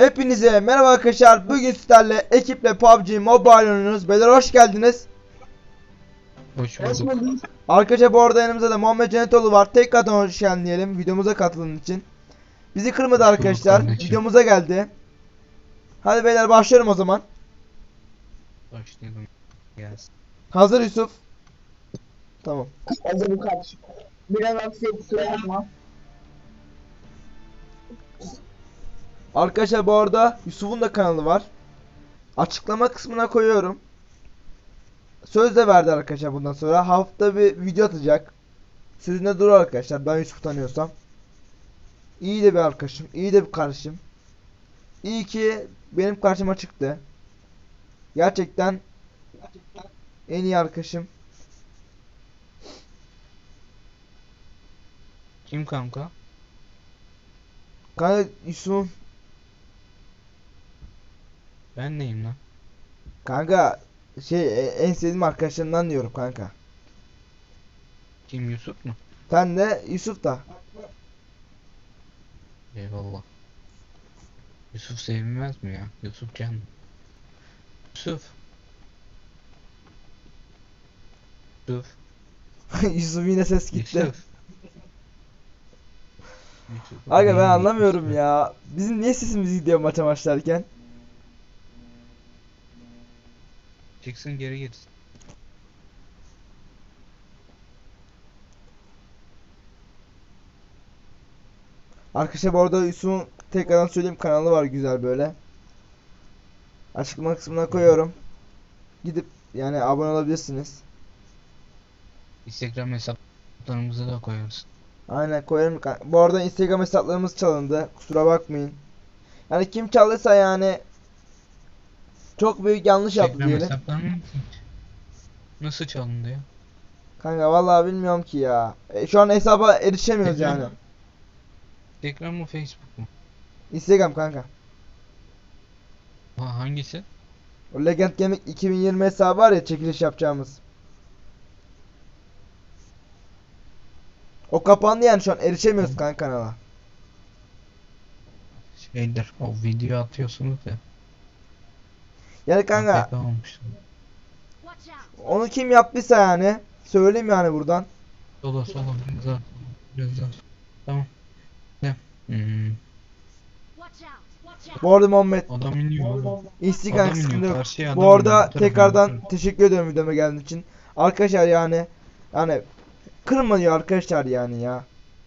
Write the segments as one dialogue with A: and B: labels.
A: Hepinize merhaba arkadaşlar. Bugün sizlerle ekiple PUBG Mobile oynuyoruz. Beyler hoş geldiniz.
B: Hoş bulduk.
A: Arkadaşlar bu arada yanımızda da Muhammed Cenetoğlu var. Tekrardan hoş geldin diyelim videomuza katıldığın için. Bizi kırmadı
B: Hoş bulduk
A: arkadaşlar.
B: kardeşim.
A: Videomuza geldi. Hadi beyler başlıyorum o zaman.
B: Başlayalım. Gelsin.
A: Hazır Yusuf. Tamam.
C: Hazır bu kardeşim. Biraz aksiye kusura bakma.
A: Arkadaşlar bu arada Yusuf'un da kanalı var. Açıklama kısmına koyuyorum. Söz de verdi arkadaşlar bundan sonra. Hafta bir video atacak. Sözünde durur arkadaşlar. Ben Yusuf'u tanıyorsam. İyi de bir arkadaşım. İyi de bir kardeşim. İyi ki benim karşıma çıktı. Gerçekten en iyi arkadaşım.
B: Kim kanka?
A: Kanka Yusuf.
B: Ben neyim lan?
A: Kanka en sevdiğim arkadaşlarından diyorum kanka.
B: Kim, Yusuf mu?
A: Sen de Yusuf da.
B: Eyvallah. Yusuf sevilmez mi ya? Yusuf can. Yusuf. Yusuf.
A: Yusuf yine ses gitti.
B: Yusuf. Yusuf.
A: Aga ben
B: Neyini
A: anlamıyorum
B: gitmiş
A: ya. Bizim niye sesimiz gidiyor maça başlarken?
B: Çıksın geri gitsin.
A: Arkadaşlar bu arada Yusuf'un tekrardan söyleyeyim kanalı var güzel böyle. Açıklama kısmına koyuyorum. Gidip yani abone olabilirsiniz.
B: Instagram hesaplarımızı da koyarız.
A: Aynen koyarım. Bu arada Instagram hesaplarımız çalındı. Kusura bakmayın. Yani kim çaldıysa yani çok büyük yanlış yaptı
B: Instagram
A: diyelim.
B: hesaplarımız nasıl çalındı ya?
A: Kanka vallahi bilmiyorum ki ya. Şu an hesaba erişemiyoruz yani.
B: Instagram mı, Facebook mu?
A: Instagram kanka.
B: Ha, hangisi?
A: O Legend Gaming 2020 hesabı var ya çekiliş yapacağımız. O kapandı yani şu an erişemiyoruz kanka kanala.
B: Şeydir, o video atıyorsunuz ya.
A: Yani kanka
B: AFK olmuşsun.
A: onu kim yaptıysa yani söyleyeyim yani buradan.
B: Sola biraz daha. Biraz daha. Tamam. Ne?
A: Bu arada Muhammed
B: Adam iniyor.
A: Instagram
B: Adam iniyor,
A: kısmında
B: karşıya
A: bu
B: adam
A: arada
B: iniyor. Bu tarafa, bu
A: tekrardan
B: tarafa.
A: teşekkür ediyorum videoma geldiğin için. Arkadaşlar yani kırmıyor arkadaşlar yani ya.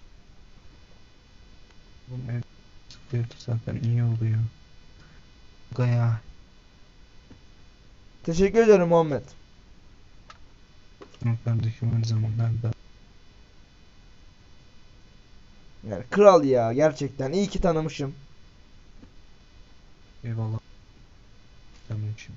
B: Oğlum, ev sıkıyordu zaten, iyi oluyor. Gaya.
A: Teşekkür ederim Muhammed.
B: Ama kardeşim her zaman nerede?
A: Yani kral ya gerçekten iyi ki tanımışım.
B: Eyvallah. Tamam şimdi.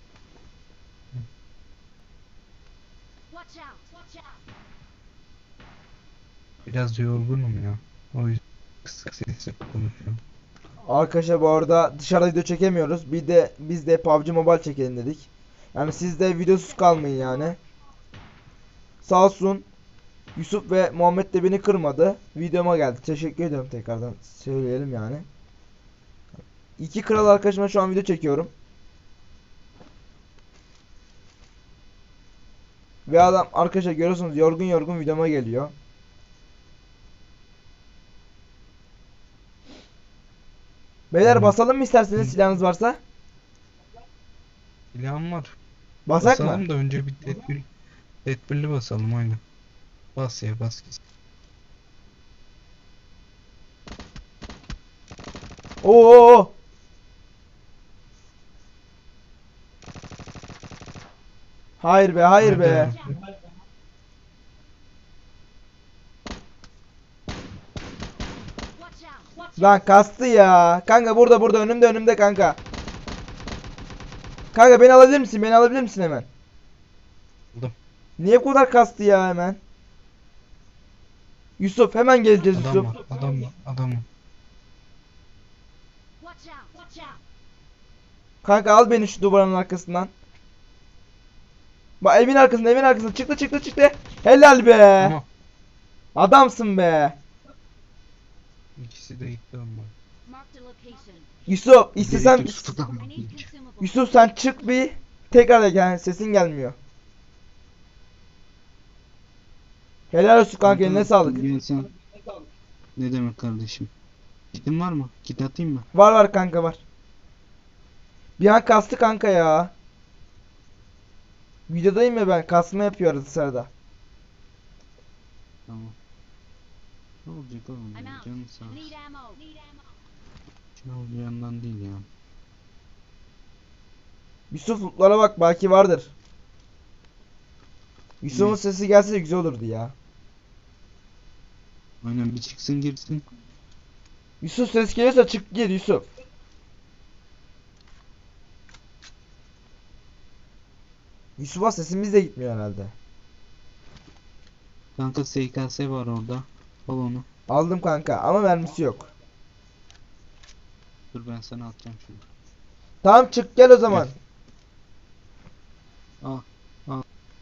B: Biraz yorgunum ya. O yüzden kısık sesle konuşuyorum.
A: Arkadaşlar bu arada dışarıda video çekemiyoruz. Bir de biz de PUBG Mobile çekelim dedik. Yani siz de videosuz kalmayın yani. Sağ olsun Yusuf ve Muhammed de beni kırmadı. Videoma geldi. Teşekkür ederim tekrardan söyleyelim yani. İki kral arkadaşıma şu an video çekiyorum. Ve adam arkadaşlar görüyorsunuz yorgun yorgun videoma geliyor. Beyler
B: Tamam.
A: basalım mı isterseniz silahınız varsa?
B: Silahım var.
A: Basak
B: Basalım
A: mı?
B: da önce bir tedbirli basalım aynen. Bas ya, bas gitsin.
A: Oo! Hayır be, hayır be.
B: Nerede?
A: Lan kastı ya. Kanka burada önümde kanka. Kanka beni alabilir misin? Beni alabilir misin hemen?
B: Aldım.
A: Niye bu kadar kastı ya hemen? Yusuf hemen geleceğiz
B: Adam
A: Yusuf.
B: var, adam var, adam var.
A: Kanka al beni şu duvarın arkasından. Bak evin arkasında çıktı. Helal be.
B: Ama
A: Adamsın be.
B: ikisi de gitti ama.
A: Yusuf istesem
B: Direkt Yusuf'tan bakayım.
A: Yusuf sen çık bir tekrar gel, sesin gelmiyor. Helal olsun kanka, eline sağlık.
B: Gel sen. Ne demek kardeşim? Kitin var mı? Kit atayım mı?
A: Var var kanka, var. Bir an kastı kanka ya. Videodayım ya ben, kasma yapıyor arada sırada.
B: Tamam. Ne olacak oğlum ya? Canın sağ olsun. Ne olacağından değil ya.
A: Yusuf lootlara bak, belki vardır. Yusuf'un
B: Ne?
A: sesi gelse güzel olurdu ya.
B: Aynen, bir çıksın girsin.
A: Yusuf ses geliyorsa çık gir Yusuf. Yusuf'a sesimiz de gitmiyor herhalde.
B: Kanka SKS var orada. Al onu.
A: Aldım kanka ama mermisi yok.
B: Dur ben sana atacağım şimdi.
A: Tamam çık gel o zaman.
B: Al. Al.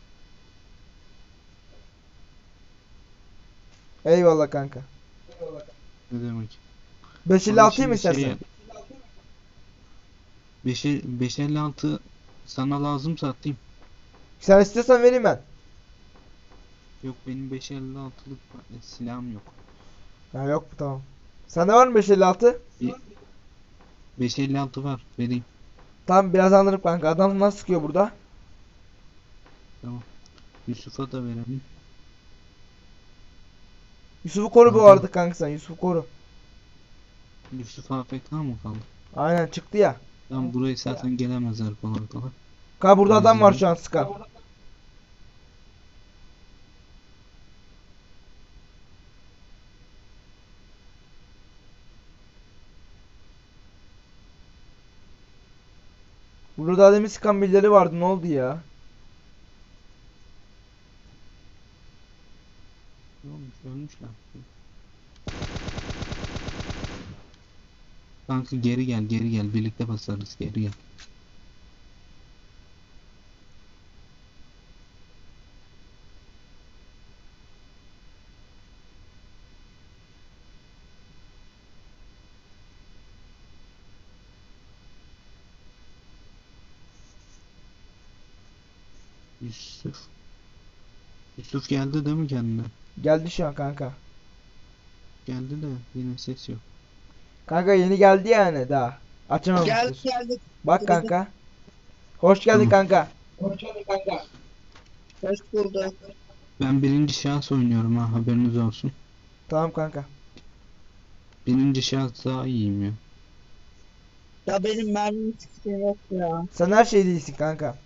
A: Eyvallah kanka.
B: Ne demek?
A: 556'yı mı
B: Şimdi
A: istersen?
B: 556 sana lazımsa atayım.
A: Sen istiyorsan vereyim ben.
B: Yok, benim 556'lık silahım yok.
A: Ha yok tamam. Sende var mı 556?
B: 556 var, vereyim.
A: Tamam biraz anlarım kanka. Adam nasıl sıkıyor burada?
B: Tamam. Yusuf'a da verelim.
A: Yusuf'u koru bu
B: Kanka.
A: arada kanka, sen Yusuf'u koru.
B: Yusuf AFK mı kaldı?
A: Aynen çıktı ya.
B: Tamam, buraya zaten gelemezler kolay kolay.
A: Kanka burada adam var
B: Temizledim.
A: şu an sıkan. Burada daha demin sıkan birileri vardı, ne oldu ya?
B: Ne olmuş? Ölmüşler. Kanka geri gel, geri gel. Birlikte basarız, geri gel. Yusuf. Yusuf geldi değil mi kendine?
A: Geldi şu an kanka.
B: Geldi de yine ses yok.
A: Kanka yeni geldi yani daha. Açamamıştır.
C: Geldik.
A: Bak kanka. Hoş geldin
B: Tamam.
A: kanka.
C: Hoş bulduk.
B: Ben birinci şahıs oynuyorum ha, haberiniz olsun.
A: Tamam kanka.
B: Birinci şahıs daha iyiyim ya.
C: Ya benim mermim çıksın yok ya.
A: Sen her şey değilsin kanka.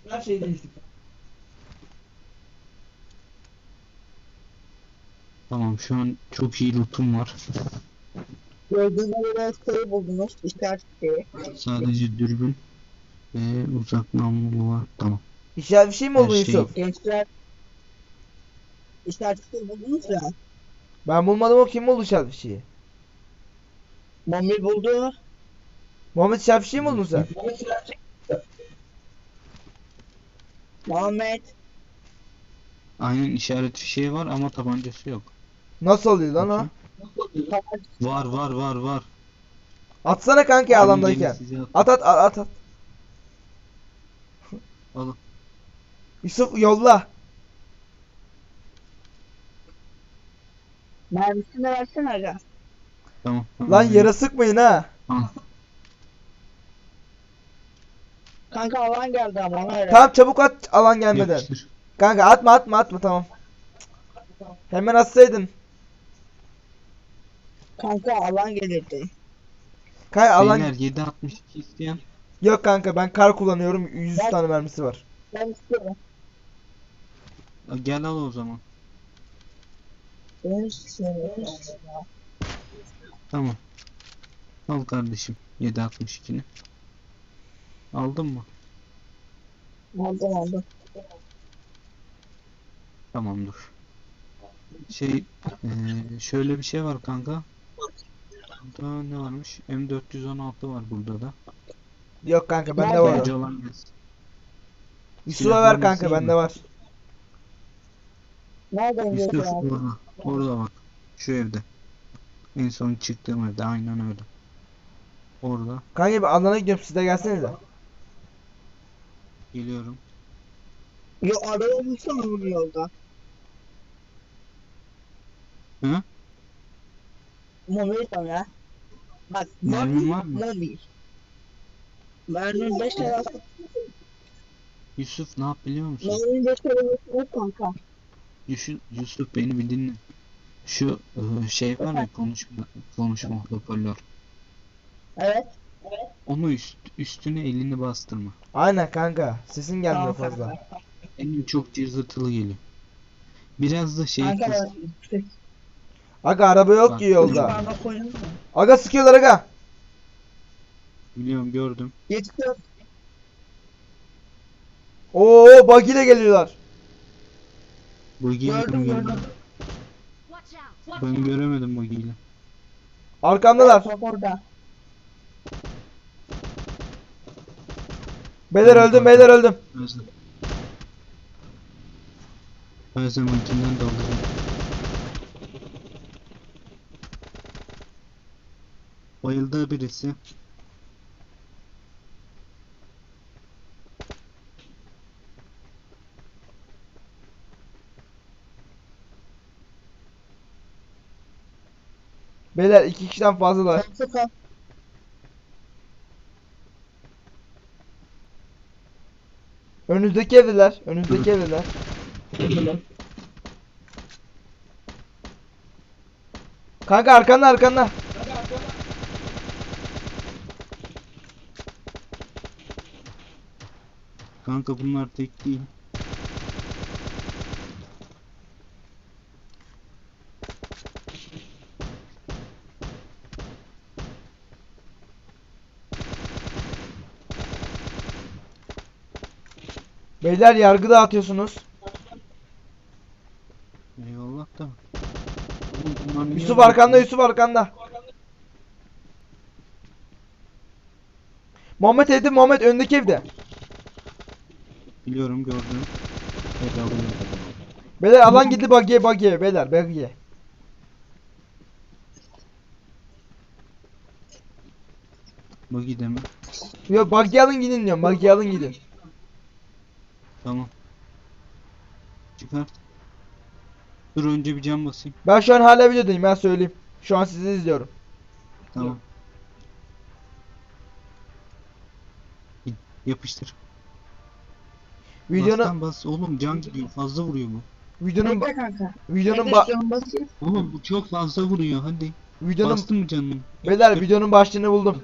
B: Tamam, şu an çok iyi lootum var.
C: Gördüğünüz göre şey buldunuz. İşaret şeyi.
B: Sadece dürbün ve uzak namlulu var. Tamam.
A: İşaret bir şey mi
B: Her
A: oldu
B: şey-
A: Yusuf?
C: Gençler işaret şeyi buldunuz ya.
A: Ben bulmadım, o kim buldu işaret bir şeyi?
C: Mami buldu.
A: Muhammed işaret bir şey mi buldun sen?
C: Muhammed.
B: Aynen, işaret fişeği var ama tabancası yok.
A: Nasıl oluyor lan o?
B: Bakayım. Var.
A: Atsana kanka
B: Gelin
A: alandayken.
B: size
A: At.
B: Alın.
A: Yusuf yolla.
C: Mermisini versene aga.
B: Tamam.
A: Lan yere sıkmayın ha.
B: Al.
C: Kanka alan geldi ama ona göre.
A: Tamam çabuk at alan gelmeden.
B: Yapıştır.
A: Kanka atma tamam. Hemen atsaydın.
C: Kanka alan gelirdi.
A: Kanka alan
B: Beyler 7.62 isteyen.
A: yok kanka, ben kar kullanıyorum, 100
C: Ben-
A: tane mermisi var.
C: Ben istiyorum.
B: Gel al o zaman.
C: Ben istiyorum.
B: Tamam. Al kardeşim 7.62'ni. Aldın mı?
C: Aldım.
B: Tamam, dur. Şöyle bir şey var kanka. Burada ne varmış? M416 var burada da.
A: Yok kanka bende
C: Nerede?
A: var
B: Bence
A: o.
B: olan gelsin.
A: Yusuf'a ver
B: Silahlarınız
A: kanka,
B: iyi
A: bende
B: mi?
A: var.
C: Nereden
B: Yusuf
C: geliyor abi?
B: orada. Orada bak. Şu evde. En son çıktığım evde aynen öyle. Orada.
A: Kanka bir alana gidiyorum, siz de gelsenize.
B: Geliyorum.
C: Yo araba bulsana onu yolda.
B: Hı?
C: Mobil tam ya. Bak
B: Mermin var mı?
C: mobil. Mermin 5 tane.
B: Yusuf ne yap biliyor musun?
C: Mermin 5 tane yok kanka.
B: Yusuf beni bir dinle. Şu şey var ya konuşma hoparlör.
C: Evet.
B: Onu üstüne elini bastırma.
A: Aynen kanka. Sesin gelmiyor
C: Tamam
A: fazla.
C: kanka.
B: Benim çok cızırtılı geliyor. Biraz da şey
C: Kanka
B: kız.
C: ben
A: Aga araba yok
B: Bak,
A: ki yolda.
C: parmak koydum mu?
A: Aga sıkıyorlar aga.
B: Biliyorum gördüm.
C: Yetişiyor.
A: Oo bug ile geliyorlar.
B: Bagiyle
C: Gördüm
B: mi
C: gördüm.
B: gördün? Ben göremedim bagiyle.
A: Arkamdalar.
C: Top orada.
A: Beyler
B: Tamam,
A: öldüm,
B: kanka.
A: beyler öldüm.
B: Özlem. Her zamankinden de alırım. Bayıldı birisi.
A: Beyler 2 kişiden fazlalar.
C: Çok al.
A: Önünüzdeki evdeler. Önünüzdeki evdeler. Kanka arkanda arkanda.
B: Kanka bunlar tek değil.
A: Beyler yargı dağıtıyorsunuz.
B: Eyvallah da. Oğlum bunlar niye
A: Yusuf
B: öyle
A: arkanda,
B: yapıyor?
A: Yusuf arkanda. Muhammed evde, Muhammed öndeki evde.
B: Biliyorum gördüm. Evet alıyorum.
A: Beyler alan gitti buggy'e, buggy'e beyler, buggy'e.
B: Buggy deme.
A: Yok buggy alın gidin diyorum, buggy alın gidin.
B: Tamam. Çıkart. Dur önce bir cam basayım.
A: Ben şu an hala videodayım, ben söyleyeyim. Şu an sizi izliyorum.
B: Tamam. Yapıştır.
A: Videonun
B: Bastan bas. Oğlum can gidiyor. Fazla vuruyor bu.
A: videonun
C: Bekle kanka.
A: videonun
C: Bekle şu an basayım.
B: Oğlum bu çok fazla vuruyor. Hadi.
A: videonun
B: Bastın mı canını?
A: beyler videonun başlığını buldum.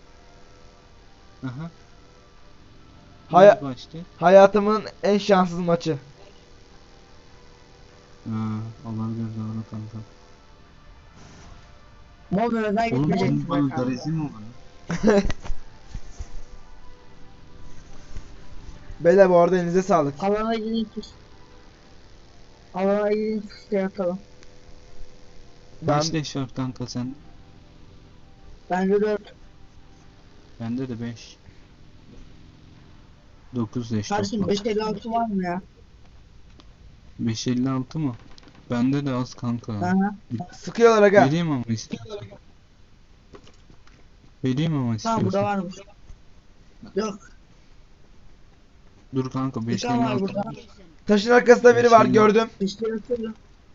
B: Aha.
A: Haya-
B: Nerede başta?
A: Hayatımın en şanssız maçı.
B: Olabilir doğru kanka.
C: Mobil neden
B: Oğlum
C: gitmeyeceksin
B: senin bana
C: kanka?
B: garezin mi var?
A: Beyler bu arada elinize sağlık.
C: Alana gidin tut. Alana gidin tut şey atalım.
A: Ben
B: Kaç leş var kanka sen?
C: Bence 4.
B: Bende de 5. 9 leş
C: Kardeşim
B: toplam.
C: 556 var mı ya?
B: 556 mı? Bende de az kanka.
C: Aha.
A: sıkıyorlar aga.
B: Vereyim ama istiyorsan. Vereyim ama
C: Tamam burada
B: istiyorsan.
C: varmış. Yok.
B: Dur kanka
C: Bir tane var
B: 556.
C: burada.
A: Taşın arkasında biri var,
B: Şimdi-
A: gördüm.
C: İşte yapıyorum.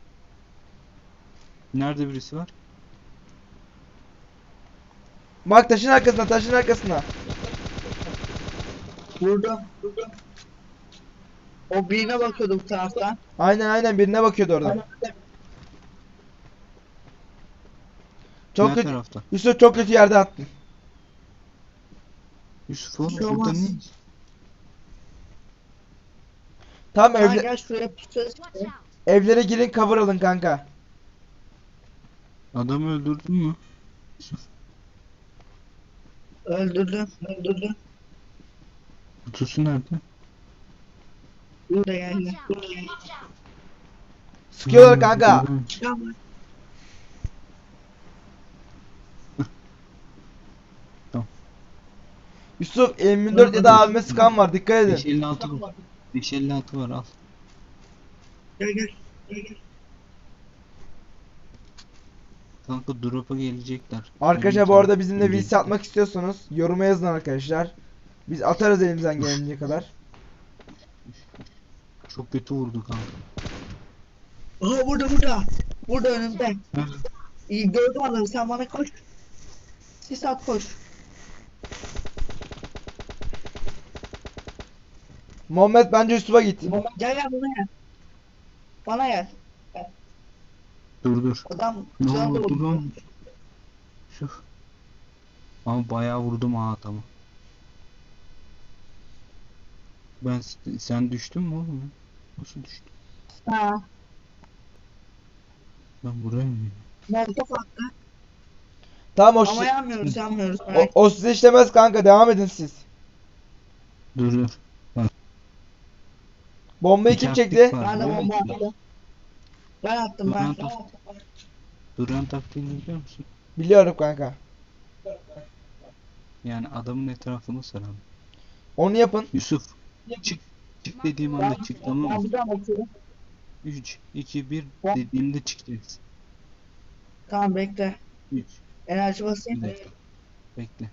B: Nerede birisi var?
A: Bak taşın arkasında, taşın arkasında.
C: Burada. O birine bakıyordu bu taraftan.
A: Aynen aynen birine bakıyordu orada. Çok
B: Diğer
A: kötü.
B: tarafta.
A: Yusuf çok kötü yerde attın.
B: Yusuf oğlum
C: Bir şey
B: burada
C: olmaz.
B: ne?
A: Tam
C: Gel gel şuraya pusacağız.
A: evlere girin, cover alın kanka.
B: Adamı öldürdün mü?
C: Öldürdüm. Öldürdüm.
B: Kutusu nerede?
C: Burada geldi.
A: Sıkıyorlar kanka.
B: gördüm.
C: Tamam.
A: Yusuf M24 ya da abime sıkan var, dikkat edin.
B: 556 var. 556 var al.
C: Gel gel. Gel gel.
B: Kanka drop'a gelecekler.
A: Arkadaşlar bu
B: Benim
A: arada bizimle
B: gelecek.
A: VC atmak istiyorsanız yoruma yazın arkadaşlar. Biz atarız elimizden gelince kadar.
B: Çok kötü vurdu kanka.
C: Aha burada. Burada önümde.
B: Nerede?
C: İyi gördüm adamı, sen bana koş. Sis at koş.
A: Muhammed bence Yusuf'a git.
C: Gel gel bana gel. Bana gel.
B: Dur.
C: Adam
B: Ne
C: canlı
B: oldu
C: vurdu.
B: lan? Şu. Ama bayağı vurdum ha adamı. Sen düştün mü oğlum? Nasıl düştün?
C: Ha.
B: Ben buraya mı?
C: Molotof attı.
A: Tamam o,
C: Ama yanmıyoruz.
A: o size işlemez kanka, devam edin siz.
B: Dur.
A: Bombayı
B: İki
A: kim
B: taktik
A: çekti?
B: var.
C: Ben de
B: biliyor
C: bomba
B: musun?
C: attım. Ben attım ben.
B: Duran taktiğini biliyor musun?
A: Biliyorum kanka.
B: Yani adamın etrafını saran.
A: Onu yapın.
B: Yusuf. Çık. Çık dediğim anda çık, tamam
C: Ben
B: mı?
C: bir daha bakıyorum.
B: 3, 2, 1 dediğimde çıkacaksın.
C: Tamam bekle.
B: 3.
C: Enerji basayım.
B: Bir dakika. Bekle.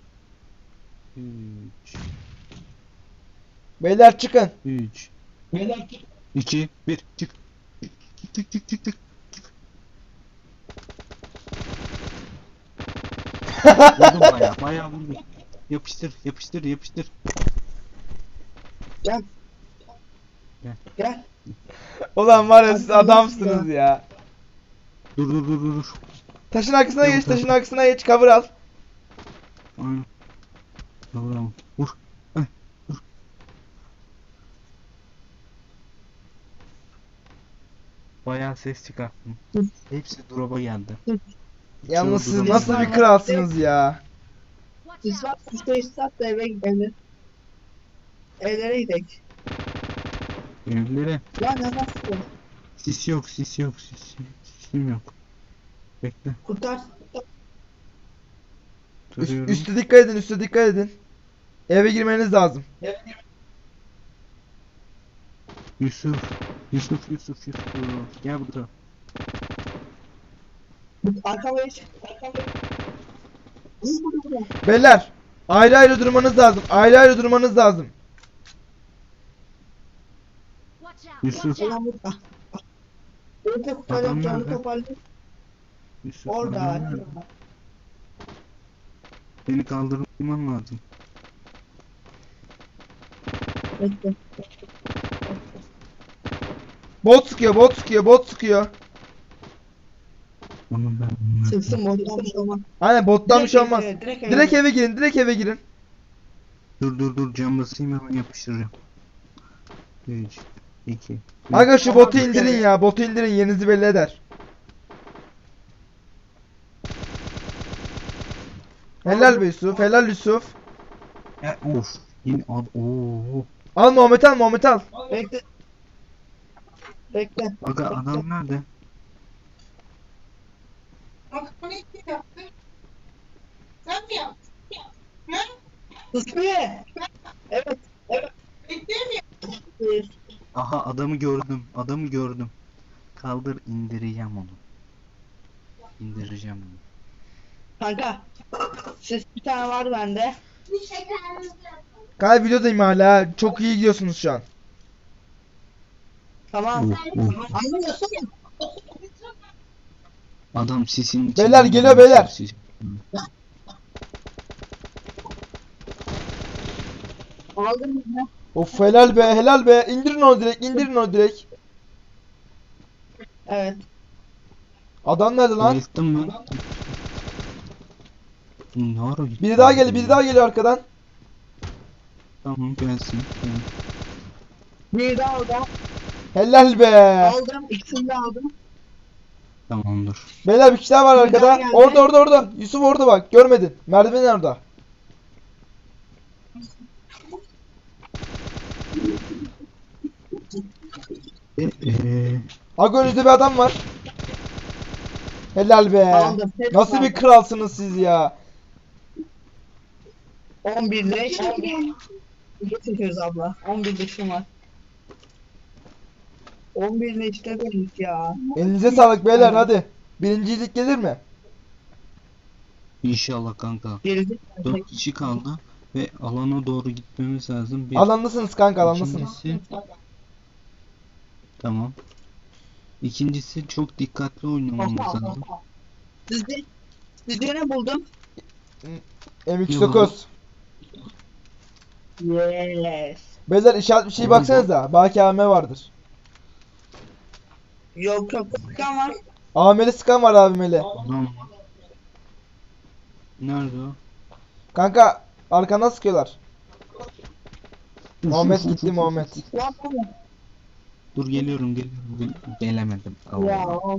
B: 3.
A: Beyler çıkın.
B: 3. 2, 1. Çık. Çık. Vurdum bayağı vurdum. Yapıştır.
C: Gel.
A: Ulan var ya siz adamsınız ya.
B: Dur.
A: Taşın arkasına
B: Yok,
A: geç,
B: yok.
A: taşın arkasına geç, cover al.
B: Aynen. Bravo. Vur. Heh, vur. Bayağı ses çıkarttım. Hepsi drop'a geldi.
A: Yalnız siz
B: Çoğu
A: nasıl
C: durum-
A: bir kralsınız ya.
C: Sis var. Sis at da eve gidelim. Evlere gidelim.
B: Evlere.
C: Ya ne nasıl?
B: Sis yok. Sisim yok. Bekle.
C: Kurtar.
B: Duruyorum.
A: Üste dikkat edin. Eve girmeniz lazım.
B: Yusuf. Gel burada.
C: Arkama geç. Burada.
A: Beyler, ayrı durmanız lazım.
B: Yusuf.
C: Selam burada. Önce kurtaracağım,
B: Adam
C: canını
B: nerede?
C: toparlayayım.
B: Yusuf.
C: Orada.
B: adam nerede? Beni kaldırman lazım.
C: Bekle.
A: Bot sıkıyor.
B: Onu ben.
C: Sıksın moddan bir şey olmaz.
A: Aynen bottan bir şey olmaz.
C: Direkt
A: Direkt eve girin.
B: Dur. Cam basayım, hemen yapıştıracağım. 3, 2.
A: Aga şu botu indirin ya. Botu indirin, yerinizi belli eder. Helal be Yusuf. Helal Yusuf.
B: Of. Yine Oo.
A: Al Muhammed al.
C: Bekle. Bekle.
B: Aga adam nerede?
D: Sen mi yaptın?
C: Sus be. Evet. Hayır.
B: Aha adamı gördüm. Kaldır, indireceğim onu.
C: Kanka. Ses bir tane var bende.
A: Kanka videodayım hala. Çok iyi gidiyorsunuz şu an.
C: Tamam.
B: Of.
C: Anlamıyorsun.
B: Adam sisin
A: Beyler, geliyor beyler.
B: Sis.
C: Aldın mı?
A: Of helal be. İndirin onu direkt.
C: Evet.
A: Adam nerede lan?
B: Bayılttın mı? Ne ara gitti?
A: Biri daha geliyor arkadan.
B: Tamam, gelsin.
C: Bir daha aldım.
A: Helal be.
C: Aldım. İkisini de aldım.
B: Tamamdır.
A: Beyler bir kişi daha var
C: Bir daha
A: arkada.
C: geldi.
A: Orada. Yusuf orada bak. Görmedin. Merdiven orada. Aga önünüzde bir adam var. Helal be.
C: Aldım. Hepsini
A: Nasıl bir
C: aldım.
A: kralsınız siz ya.
C: 11 leş. Ne çekiyoruz abla? 11 leşim var. 11 leşte dedik ya.
A: Elinize sağlık beyler hadi. Birincilik gelir mi?
B: İnşallah kanka.
C: Gerisi
B: 4 kişi kaldı ve alana doğru gitmemiz lazım. Bir.
A: Alandasınız kanka, alandasınız.
B: İkincisi, tamam. İkincisi çok dikkatli oynamamız lazım.
C: Sizde, sizde ne buldum?
A: M209.
C: Yes.
A: Beyler işaret bir şey baksanıza. Belki AVM vardır.
C: Yok yok. Sıkan var.
A: AVM'li sıkan var, AVM'li.
B: Adam var. Nerede o?
A: Kanka arkandan sıkıyorlar. Muhammed gitti, Muhammed.
C: Ya tamam.
B: Dur geliyorum. Gelemedim.
C: Ya.
B: Allah.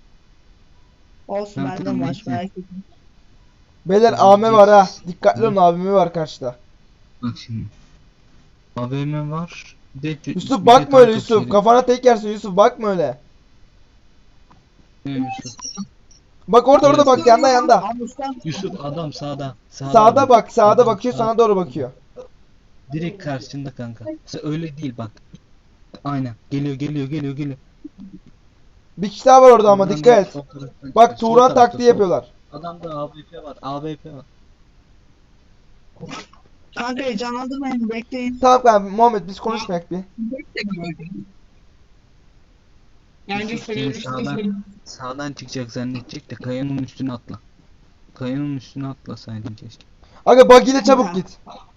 C: Olsun
B: Ben
C: bende
B: tamam,
C: maç
B: bekle.
C: merak etme.
A: Beyler AVM var ha. Dikkatli olun, AVM var karşıda.
B: Bak şimdi. AVM var. Bir de
A: Yusuf
B: bir
A: bakma
B: de
A: öyle
B: tank
A: Yusuf.
B: atışı.
A: Kafana tek yersin Yusuf, bakma öyle.
B: Ne Yusuf?
A: Bak orada bak, yanda yanda.
C: Almıştan.
B: Yusuf adam sağda.
A: Sağda bak, sağda
B: Adam
A: bakıyor,
B: sağ-
A: sana doğru bakıyor.
B: Direkt karşında kanka. Sen öyle değil bak. Aynen. Geliyor.
A: Bir kişi daha var orada ama
B: Oradan
A: dikkat
B: da
A: et.
B: sol taraftan
A: Bak
B: çıkıyor. Sol
A: Turan
B: tarafta,
A: taktiği
B: sol.
A: yapıyorlar.
B: Adamda AWP var. AWP var.
C: Kanka heyecanlandırmayın bekleyin.
A: Tamam kanka Muhammed, biz konuşmayak bir.
B: Yusuf seni sağdan çıkacak zannedecek de kayanın üstüne atla. Kayanın üstüne atlasaydın keşke.
A: Aga bug ile çabuk git.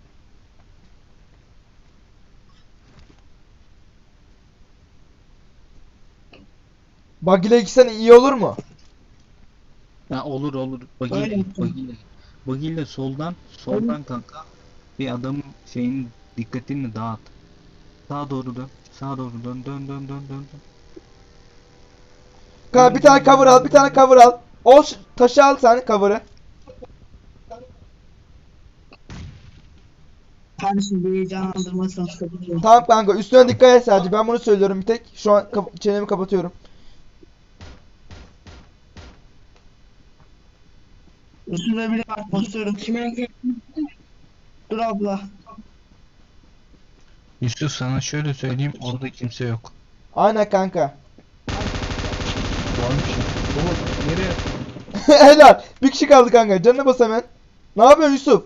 A: Bug ile gitsen iyi olur mu?
B: Ya olur.
C: Öyle
B: Bagiyle,
C: yapacağım.
B: bagiyle soldan kanka bir adamın şeyin dikkatini dağıt. Sağa doğru dön. Dön.
A: Kanka bir tane cover al, bir tane cover al. O taşı al sen, cover'ı.
C: Kardeşim bir heyecanlandırmasın. Sıkıntı.
A: Tamam kanka, üstüne dikkat et sadece. Ben bunu söylüyorum bir tek. Şu an çenemi kapatıyorum.
C: Üstünde bile bak basıyorum. Kime? Dur abla.
B: Yusuf sana şöyle söyleyeyim, orada kimse yok.
A: Aynen kanka.
B: Varmış ya. Oğlum nereye?
A: Helal. Bir kişi kaldı kanka. Canına bas hemen. Ne yapıyorsun Yusuf?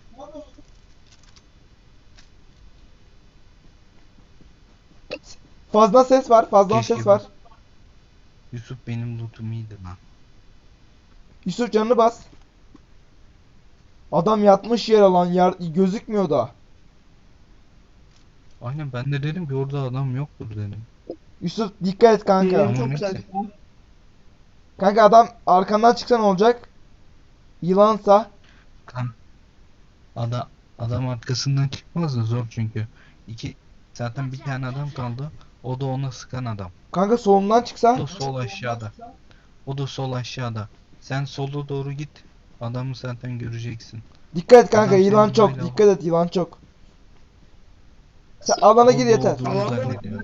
A: Fazla ses var. Fazla
B: Keşke
A: ses var.
B: Yusuf benim lootum iyiydi lan.
A: Yusuf canını bas. Adam yatmış yere lan. Gözükmüyor da.
B: Aynen ben de dedim ki orada adam yoktur dedim.
A: Yusuf dikkat et kanka.
C: Yerim
B: Tamam,
C: çok
B: neyse.
C: güzel.
A: Kanka adam arkandan çıksa ne olacak? Yılansa.
B: Kan adam arkasından çıkmaz da zor çünkü. Zaten bir tane adam kaldı. O da ona sıkan adam.
A: Kanka solundan
B: O
A: çıksa.
B: da sol aşağıda. Sen sola doğru git. Adamı zaten göreceksin.
A: Dikkat et kanka,
B: Adam
A: yılan
B: senin
A: çok.
B: böyle
A: Dikkat et, yılan çok. Sen alana gir
B: Orada
A: yeter.
B: olduğunu zannediyor.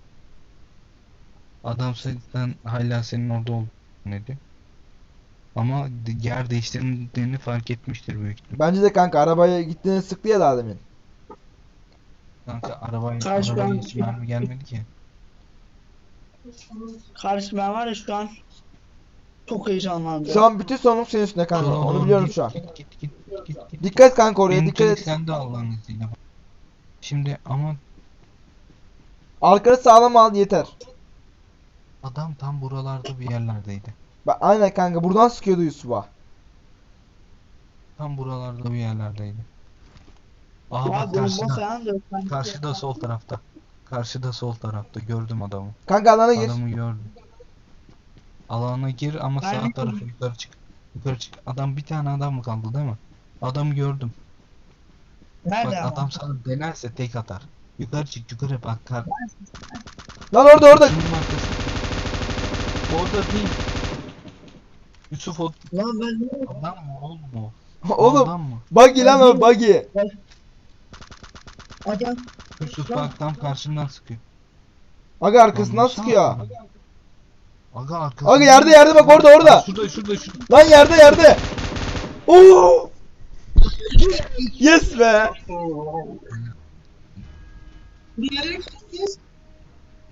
B: Adam zaten hala senin orada olduğunu zannediyor. Ama yer değiştirdiğini fark etmiştir büyük ihtimal.
A: Bence de kanka, arabaya gittiğini sıktı ya daha demin.
B: Kanka arabaya
C: Karşıdan-
B: hiç mermi gelmedi ki.
C: Kardeşim ben var ya şu an çok heyecanlandım.
A: Şu an bütün sorumluluk senin üstünde kanka.
B: Sola
A: Onu
B: doğru
A: biliyorum
B: git,
A: şu an.
B: Git.
A: Dikkat et kanka, oraya
B: En
A: dikkat
B: kötü
A: et.
B: sen de Allah'ın izniyle. Şimdi ama
A: Arkanı sağlam al yeter.
B: adam tam buralarda bir yerlerdeydi.
A: Aynen kanka, buradan sıkıyordu Yusuf'a.
B: Tam buralarda bir yerlerdeydi. Aha
C: Ya
B: bak
C: bomba
B: karşıda.
C: falan da yok.
B: Karşıda sol tarafta. Karşıda sol tarafta. Gördüm adamı.
A: Kanka alana gir.
B: Adamı gördüm. Alana gir ama
C: Ben
B: sağ
C: de-
B: tarafa yukarı çık. Yukarı çık. Adam bir tane adam mı kaldı değil mi? Adamı gördüm.
C: Nerede
B: Bak
C: ama?
B: adam sana denerse tek atar. Yukarı çık yukarı bak.
A: Lan orada.
B: Şunun arkası. Orada değil. Yusuf o
C: Lan ben
B: adam mı oğlum o?
A: Oğlum
B: Adam mı?
A: buggy lan o, buggy.
C: adam
B: Yusuf bak tam karşından sıkıyor.
A: Aga arkasından
B: Lan
A: sıkıyor.
B: nasıl Aga arkasından.
A: Aga yerde bak, orada.
B: Şurada.
A: Lan yerde. Oo! Yes be.
C: bir yere gittiniz.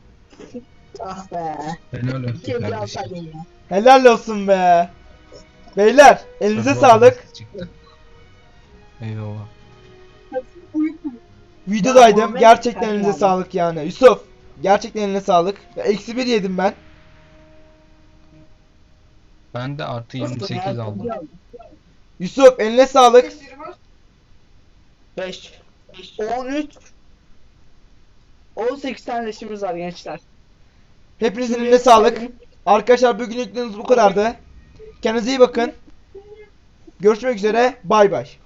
C: Ah be.
B: Helal olsun
C: Keşke
B: kardeşim.
C: alsaydım ya.
A: Helal olsun be. Beyler elinize
B: Tabii
A: sağlık.
B: orada çıktı. Eyvallah.
A: Videodaydım.
C: Muhammed
A: Gerçekten
C: Kadir
A: elinize
C: abi.
A: sağlık yani. Yusuf. Gerçekten eline sağlık. Eksi 1 yedim ben.
B: Ben de artı 28 aldım.
A: Yusuf eline sağlık.
C: 5, 13, 18 tane leşimiz var gençler.
A: Hepinizin eline sağlık. Arkadaşlar bugün yükleriniz bu kadardı. Kendinize iyi bakın. Görüşmek üzere. Bay bay.